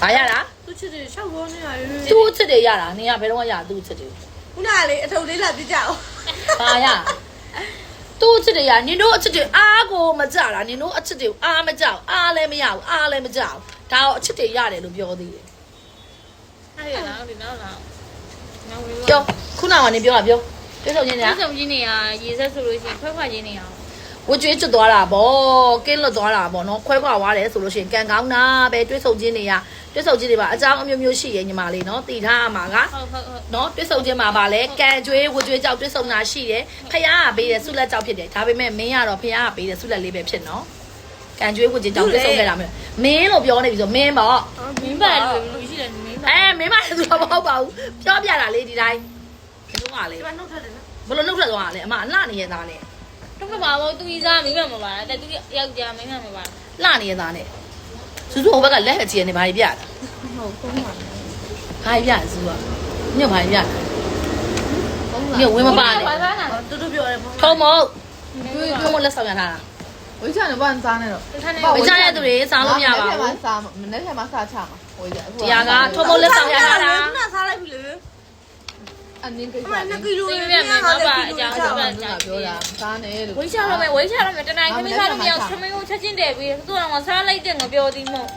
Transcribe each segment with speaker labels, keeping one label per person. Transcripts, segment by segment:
Speaker 1: ဘာရလား
Speaker 2: သူချစ်တယ်ရှောက်ရောနေရတယ်
Speaker 1: သူ့ချစ်တယ်ရတာနင်ကဘယ်တော့မှရသူ့ချစ်တယ်
Speaker 2: ခုနကလေအထုပ်လေးလာပြကြအောင်
Speaker 1: ဘာရသူ့ချစ်တယ်ရနင်တို့အချစ်တယ်အားကိုမကြတာနင်တို့အချစ်တယ်အားမကြောက်အားလည်းမရဘူးအားလည်းမကြောက်ဒါတော့အချစ်တယ်ရတယ်လို့ပြောသေးတယ်
Speaker 3: အဲ့ရလားဒီနောက်လားနောက်ဝေး
Speaker 1: ပြောခုနကနေပြောတာပြောတွေ့ဆုံချင်းညာ
Speaker 3: တွေ့ဆုံချင်းနေရရေဆက်ဆိုလို့ရှိရင်ခွဲချင်းနေရအောင်
Speaker 1: ဝကျွေးကျွတ်သွားတာဗောကင်းလွတ်သွားတာဗောနော်ခွဲခွာသွားတယ်ဆိုလို့ရှိရင်ကန်ကောင်းတာပဲတွေ့ဆုံချင်းတွေပါအကြောင်းအမျိုးမျိုးရှိရဲ့ညီမလေးနော်တည်ထားရမှာက
Speaker 3: ဟုတ်
Speaker 1: နော်တွေ့ဆုံချင်းမှာပါလဲကန်ကျွေးဝကျွေးကြောက်တွေ့ဆုံတာရှိတယ်ဖះကပေးတယ်ဆုလက်ကြောက်ဖြစ်တယ်ဒါပေမဲ့မင်းကတော့ဖះကပေးတယ်ဆုလက်လေးပဲဖြစ်နော်ကန်ကျွေးဝကျွေးကြောက်တွေ့ဆုံခဲ့တာမင်းလို့ပြောနေပြီဆိုမင်းဗော
Speaker 3: မင်းပါလူရှိတယ်မင်းပါ
Speaker 1: မင်းမလည်းသူတော့မဟုတ်ပါဘူးပြောပြတာလေဒီတိုင်းဒီတော့ကလေ
Speaker 2: ဒီမှာနှုတ်ထက်တယ်နော်
Speaker 1: ဘလို့နှုတ်ထွက်သွားတာလဲအမအလှနေရသားနဲ့
Speaker 3: တော့မှာဘောသူကြီးစားမင်းမပါလားတဲ့သူယောက်ျားမင်းမပါ
Speaker 1: လှနေရသားနဲ့စူးစူးဟိုဘက်ကလက်ချင်နေဘာကြီးပြတာ
Speaker 2: ဟုတ်ကုန်းပါ
Speaker 1: ဘာကြီးပြစူးကညဘာကြီးပြညဝင်းမပါနဲ့
Speaker 2: တူတူပြောတယ်ပေါ့
Speaker 1: ထုံမထုံမလက်ဆောင်ရထားတာ
Speaker 4: ဝိချာနဲ့ဘာစားနေတော့
Speaker 1: ဝချရတဲ့သူတွေစားလို့မရပါဘူး
Speaker 4: မနေ့ကမှစားချမှာဝိချာ
Speaker 1: တရားကထုံမလက်ဆောင်ရထားတာ
Speaker 2: ခုနစားလိုက်ပြီလေ
Speaker 4: အနင်းကိစ္စ
Speaker 2: အမ2ကီလို
Speaker 3: ဒီမြတ်မှာပါအကြောင်း
Speaker 4: ပြောတာစားနေလို့
Speaker 3: ဝိချတော့မယ်တနိုင်ခမင်းစားလို့မရခမင်းကိုချက်ချင်းတယ်ပြီးသူ့တော့စားလိုက်တဲ့ငပြောသည်မဟုတ်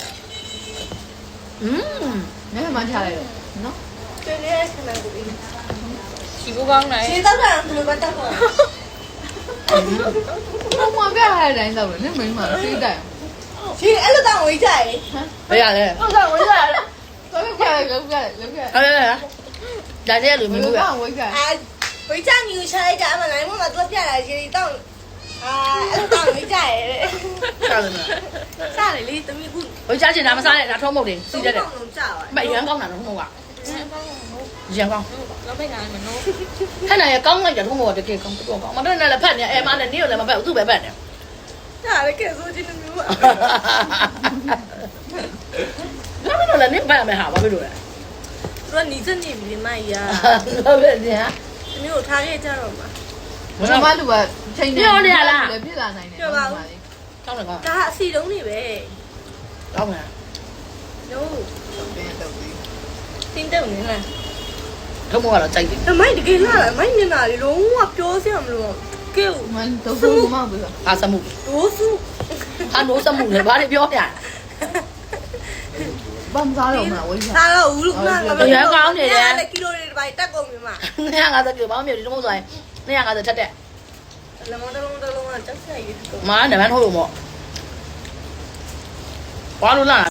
Speaker 4: နေ့မှချလိုက်တော့နော်
Speaker 2: ကျေးလေးခဏကိုပြီး
Speaker 3: ချီဖို့ကောင်းတယ်
Speaker 2: ခြေတောက်တာဘယ်လိုပဲတောက်တော့
Speaker 4: ဘာမှပြရတဲ့တိုင်းတော့လည်းမင်းမသိတယ်
Speaker 2: ခြေအဲ့လိုတောက်ဝေးကြရေ
Speaker 1: ဘယ်ရလဲ
Speaker 4: ဟုတ်ကဲ့ဝိချာတော့ပြရလောက်ပြလောက်ပြ
Speaker 1: ဟဲ့ဒါတည်းလူမျိုးပဲ
Speaker 4: ဝိချာ
Speaker 2: အာဝေးချညူချလိုက်ကြအမနိုင်မမသူပြလာခြေတောက်အာအဲ့လိုတောက်ဝေးကြရေ
Speaker 1: စားတယ်မလား
Speaker 2: စားလေလေတမီးခု
Speaker 1: ဝချချင်တာမစားနဲ့ဒါထုံမုတ်တယ်စီးတတ်တယ်
Speaker 2: လုံးကြာပါ
Speaker 1: မရန်ကောင်းတာထုံမုတ်ကရန်ကောင်း
Speaker 3: တော့ဖိတ်တာမနိုး
Speaker 1: ခဏရကောင်းလိုက်တယ်ထုံမုတ်ကတကယ်ကောင်းတော့ကောင်းမတော်နဲ့လည်းဖတ်နေအဲမနဲ့နေလည်းမဖတ်ဘူးသူ့ပဲဖတ်တယ်
Speaker 2: ဒါလည်းကဲဆိုချင်းမျိုးပါ
Speaker 1: ဘာလို့လဲနေဖတ်မယ်ဟာဘာဖြစ်လို့လဲ
Speaker 2: သူကနီးစနေပြီမကြီးอ่ะ
Speaker 1: ဘာဖြစ်လဲဟာ
Speaker 2: တမီးကိုထားခဲ့ကြတော့မှာ
Speaker 4: ဘာမှလူကချိန်နေလည်းဖြစ်လာနိုင်တယ်
Speaker 1: ကောင်းတယ်ကောင်း
Speaker 2: ဒါအစီတုံးနေပဲ
Speaker 1: ကောင်းတယ်
Speaker 2: နိုး
Speaker 4: ပြန်တော့ပြီး
Speaker 2: တင်းတုံနေလား
Speaker 1: ထုံမုတ်ကတော့ကြိုက်တယ်
Speaker 2: အမိုက်တကယ်လာလားမိုက်မျက်နှာလေးလုံးဝပြောစရာမလိုကဲ
Speaker 4: မန်တော့ဘူးမဟုတ်ဘူး
Speaker 1: အာစမှု
Speaker 2: ဒိုးစု
Speaker 1: ဟာနိုးစမှုလေဘာတွေပြောပြ
Speaker 4: ဘာမှစားတော့မှာဝိချာ
Speaker 2: စားတော့ဘူးလို့ခဏက
Speaker 1: ရန်ကောင်းနေတယ်
Speaker 2: ကီလိုတွေတစ်ပိုင်းတက်ကုန်ပြီမှာ
Speaker 1: 250ကီလိုဘာမှမပြောဒီထုံမုတ်ဆိုရင်250ထက်တဲ့
Speaker 2: လမတလုံးကကြောက်ဆိုင်ရည်
Speaker 1: မားနမန်ထိုးလို့မော့ဘာလို့လား